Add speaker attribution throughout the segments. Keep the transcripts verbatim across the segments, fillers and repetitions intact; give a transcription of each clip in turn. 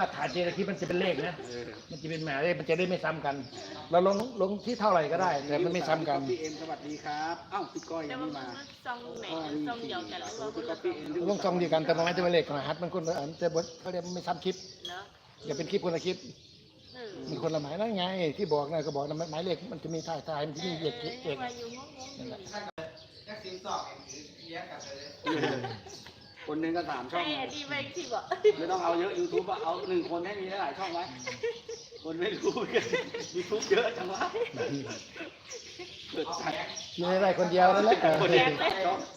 Speaker 1: ถ่ายทีละคลิปมันจะเป็นเลขนะมันจะเป็นหมายเลขมันจะได้ไม่ซ้ำกัน เราลงลงที่เท่าไหร่ก็ได้แต่มันไม่ซ้ำกัน
Speaker 2: พี่เอ็มสวัสดีครับเอ้าพี่ก้อย
Speaker 3: แต่
Speaker 2: ยัง
Speaker 3: ว่า
Speaker 2: ไม่
Speaker 3: มัน
Speaker 2: มา
Speaker 3: ซองไหนซองเดียวกันหรือว่าคน
Speaker 2: พี่
Speaker 3: ละ
Speaker 2: พี่เอ็ม
Speaker 1: ลงซองเดียวกันแต่มันไม่จะเป็นเลขรหัสมันคนละอันจะบดเขาเรียกไม่ซ้ำคลิป
Speaker 3: เนาะ
Speaker 1: อย่าเป็นคลิปคนละคลิป
Speaker 3: เออ
Speaker 1: มันคนละหมายนั่นไง ที่บอกนะก็บอกนะหมายเลขมันจะมีถ่ายถ่ายมันจะมีเลขเอก
Speaker 3: มาอยู่งงๆอยู่
Speaker 2: คนหนึงก็สามช่อง
Speaker 3: ไอ้อันนี้ไม่ที่บอก
Speaker 2: ไม่ต้องเอาเยอะ YouTube อะเอาหนึ่งคนให้มีหลายช่องไว้คนไม่รู้กัน YouTube เยอะจังวะเปิดสัตว์
Speaker 1: มีได้คนเดียวนั่นแหละ
Speaker 2: คนเดียวช่อง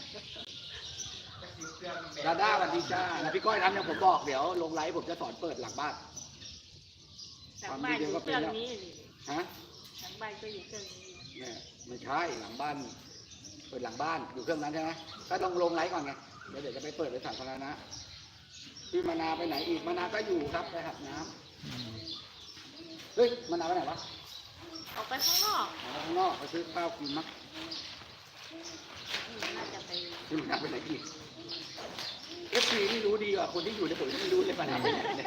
Speaker 2: ดาด้าสวัสดีจ้าแล้วพี่ก้อยทำอย่างผมบอกเดี๋ยวลงไลฟ์ผมจะสอนเปิดหลังบ้าน
Speaker 3: หลังบ้านอยู่เครื่องนี้
Speaker 2: ฮะ
Speaker 3: หลังบ้านก็อยู่เครื่องนี้
Speaker 2: เนี่ยไม่ใช่หลังบ้านเปิดหลังบ้านอยู่เครื่องนั้นใช่ไหมก็ต้องลงไลฟ์ก่อนไงเดี๋ยวเดี๋ยวจะไปเปิดในสาธารณะพี่มานาไปไหนอีกมานาก็อยู่ครับไปหัดน้ำเฮ้ยมานาไปไหนวะ
Speaker 3: ออกไปข้างนอก
Speaker 2: ออกไปข้างนอกไปซื้อข้าวกินมั้ง
Speaker 3: น่าจะไป
Speaker 2: พี่มานาไปไหนอีกเอฟซีนี่รู้ดีกว่าคนที่อยู่ในผมไม่รู้เลยมานาไปไหนเนี่ย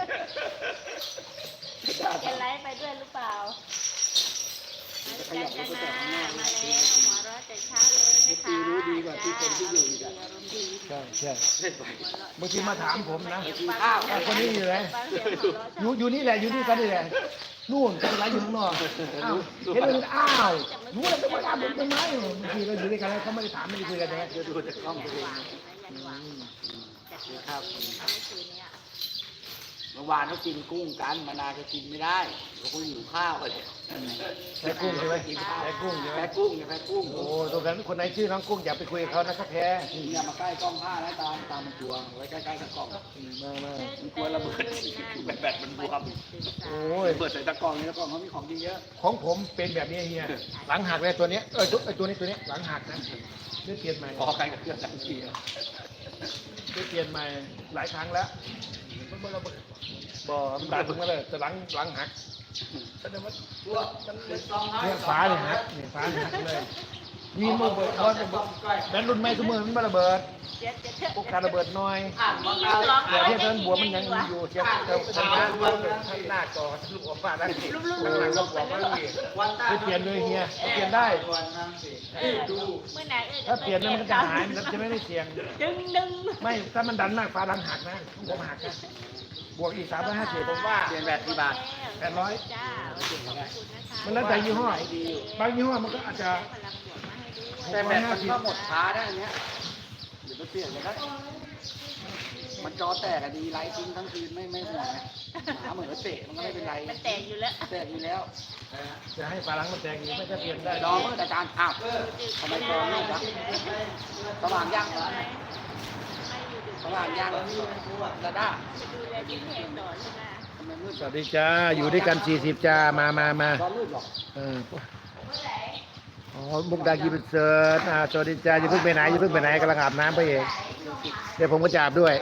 Speaker 3: แกไลฟ์ไปด้วยหรือเปล่ามาแล้วจ้าจ้านามาแล้วหัวเราะแต่เช้าเลยนะคะ
Speaker 2: รู้ดีกว่าที่คนที่อยู่อีกอะ
Speaker 3: อารมณ์ดี
Speaker 1: ใช่ใช่
Speaker 2: เล่นไป
Speaker 1: บางทีมาถามผมนะ
Speaker 2: อ้าว
Speaker 1: คนนี้อยู่ไหนอยู่อยู่นี่แหละอยู่นี่กันนี่แหละนู่นเป็นไรอยู่ข้างนอกอ้าวเห็นเลยอ้าวรู้แล้วจะมาถามผมทำไมบางทีเราอยู่ด้วยกันแล้วเขาไม่ได้ถามไม่ได้คุยกันใช่ไหม
Speaker 2: เดี๋ยวดูจากกล้องตัวเอง
Speaker 3: ยันหวังจาก
Speaker 2: นี่
Speaker 3: เมื่
Speaker 2: ครับ
Speaker 3: อคืนเนี้ย
Speaker 2: เมื่อวานเขากินกุ้งกันมานาจะกินไม่ได้เขาคุยหิวข้าวกันเลย
Speaker 1: ใช้กุ้งใช่ไหมใช้กุ้งใช่ไหม
Speaker 2: แพ้กุ้งเนี่ยแพ้กุ้ง
Speaker 1: โอ้ตรงนั้นคนไหนชื่อน้องกุ้งอย่าไปคุยกับเขานะครับแพ้
Speaker 2: อย่ามาใกล้กล้องผ้าแล้วตามตามมันจวงไว้ใกล้ๆกับกล้อง
Speaker 1: มามา
Speaker 2: มันกลัวระเบิดแบตมันบวม
Speaker 1: โอ้ย
Speaker 2: เปิดใส่ตะกร้องนี่ตะกร้องเขามีของดีเยอะ
Speaker 1: ของผมเป็นแบบนี้เฮียหลังหักเลยตัวเนี้ยเออตัวไอตัวนี้ตัวนี้หลังหักนะได้เปลี่ยนใหม่
Speaker 2: พอกันกับเครื่องทันที
Speaker 1: ได้เปลี่ยนใหม่หลายครั้งแล้วบ่มันดันมาเลยแต่หลังหลังหักแสดงว่า
Speaker 2: ตัวมันเป็นซองน้อย
Speaker 1: เนี่ยฟ้าเนี่ยหักเนี่ยฟ้าเนี่ยหักเลยมีมันระเบิดบอลแบนรุ่นใหม่เสมอมันมาระเบิด
Speaker 3: เดี๋ยวจะเถอะ
Speaker 1: พวกการระเบิดน้อย
Speaker 2: อ่านมา
Speaker 3: มีอยู่ร้อง
Speaker 1: เดี๋ยวเทียบนั้นบัวมันยังมีอยู่เทียบเทียบทางหน้าทางหน้าก่อลูกออกมาได้ข้างหลังก็บอกว่ามีไม่เปลี่ยนเลยเฮียเปลี่ยนได้
Speaker 2: วันนั่งสิ
Speaker 3: เออเมื่อไหร่เออ
Speaker 1: ถ้าเปลี่ยนแล้วมันก็จะหายมันจะไม่ได้เสียง
Speaker 3: ดึงดึง
Speaker 1: ไม่ถ้ามันดันมากฟ้าดันหักนะผมหักนะบวกอีกสามร้อยห้าสิบผมว่า
Speaker 2: เปลี่ยนแบตกี่บาท
Speaker 1: แปดร้อย
Speaker 3: จ้าขอบคุณนะคะ
Speaker 1: มันแล้วแต่ยี่ห้อบางยี่ห้อมันก็อาจจะ
Speaker 3: พลังบวกมาให้ด้วย
Speaker 2: แต่แบตมันก็หมดช้าได้อันเนี้ยเดี๋ยวไปเปลี่ยนกันได้มันจอแตกอะดีไลท์ทิ้งทั้งคืนไม่ไม่ห่วงนะหมาเหมือนว่าเตะมันก็ไม่เป็นไร
Speaker 3: มันแตกอยู่แล้ว
Speaker 2: แตกอยู่แล้ว
Speaker 1: จะให้ฟ้าหลังมันแตกอีกไม่จะเปลี่ยนได้
Speaker 2: ดอมเมื่ออาจารย์อ้าวทำไมจอมืดวะสว่างยังเหรอสว่างยังดาด้า
Speaker 3: ดูแลยิ้มแหงต่อใช่ไหม
Speaker 2: ทำไมมืด
Speaker 1: สวัสดีจ้าอยู่ด้วยกันสี่สิบจ้ามามามา
Speaker 2: จอมืดหรอ
Speaker 1: เอออ๋อมุกดากีเป็นเซิร์ชอ่าสวัสดีจ้าอย่าเพิ่งไปไหนอย่าเพิ่งไปไหนกำลังอาบน้ำไปเองเดี๋ยวผมก็จะอาบด้วย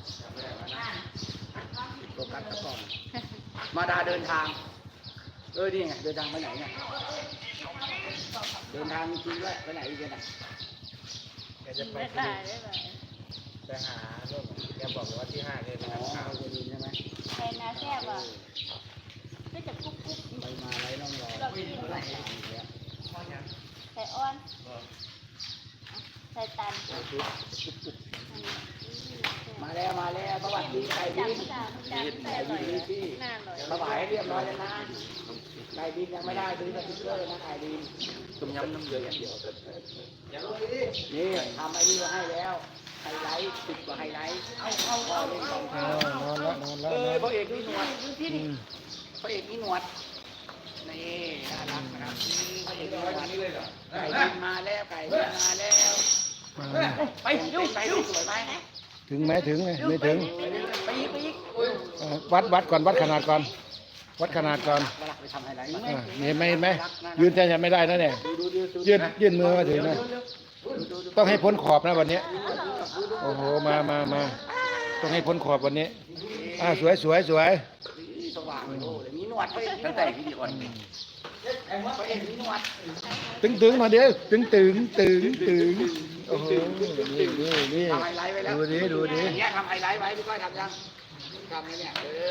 Speaker 2: โฟกัสตะกอนมาดาเดินทางเออนี่ไงเดินทางไปไหนเนี่ยเดินทางจริงๆด้วยไปไหนอีกเนี่ย
Speaker 1: แกจะไป
Speaker 3: ได้ได้ได้
Speaker 1: ไปหาลูกแกบอกว่าที่ห้าเนี่ย
Speaker 2: อ๋อไปดินใช่ไหม
Speaker 3: แทนนาแซ่บอ่ะก็จะกุ๊บกุ๊บ
Speaker 2: ไปมาไรน้องรอ
Speaker 3: เรากินอะไรใส่อ้อนใส่ตัน
Speaker 2: มาแล้วมาแล้วสวัสดีไก่
Speaker 3: จั
Speaker 2: บิ
Speaker 3: บ
Speaker 2: น
Speaker 3: จับจับแต่อร่อยน่าอร่อย
Speaker 2: สบายให้เรียบร้อยแล้วนะไก่บินยังไม่ได้ซื้อสติ๊กเกอร์นะไก่บินต้มยำน้ำเดือดอย่างเดียวนี่ทำไอ้นี่มาให้แล้วไฮไลท์ติดกว่าไฮไลท์เอาเอาเอาเล่นของ
Speaker 1: เออนอนแล้วนอนแล้ว
Speaker 2: เออ
Speaker 1: นะ
Speaker 2: พระเอกนี่หนวดดูที่
Speaker 1: อื
Speaker 2: นี่
Speaker 1: ม
Speaker 2: พระเอกนี่หนวดนี่น่ารักนะครับนี่พระเอกนี่หนวดไก่บินมาแล้วไก่บินมาแล้ว
Speaker 1: มา
Speaker 2: ไปดูไปดูสวยไหม
Speaker 1: ถึงไหมถึงไหมไม่ถึง
Speaker 2: ไปอีกไปอีก
Speaker 1: เออวัดวัดก่อนวัดขนาดก่อน วัดขนาดก่อน
Speaker 2: มาหลักไปทำไฮไลท์
Speaker 1: อ่าเห็นไหมเห็นไหมยืนแทนไม่ได้นะเนี่ย
Speaker 2: ดูดูดูดู
Speaker 1: ยื่นยื่นมือมาถึงนะต้องให้พ้นขอบนะวันนี้โอ้โหมามามาต้องให้พ้นขอบวันนี้อ่าสวยสวยสวย
Speaker 2: สว่างเลยโอ้ยมีหนวดพระเอกตั้งแต่วิดีโอพระเอกมีหนวด
Speaker 1: ตึงตึงมาเดี๋ยวตึงตึงตึงตึงโอ้โหนี่นี่นี่
Speaker 2: ทำไฮไลท์ไว้แล้ว
Speaker 1: ดูดิดูดิ
Speaker 2: อย่างเงี้ยทำไฮไลท์ไว้พี่ก้อยทำยังทำไงเนี่ย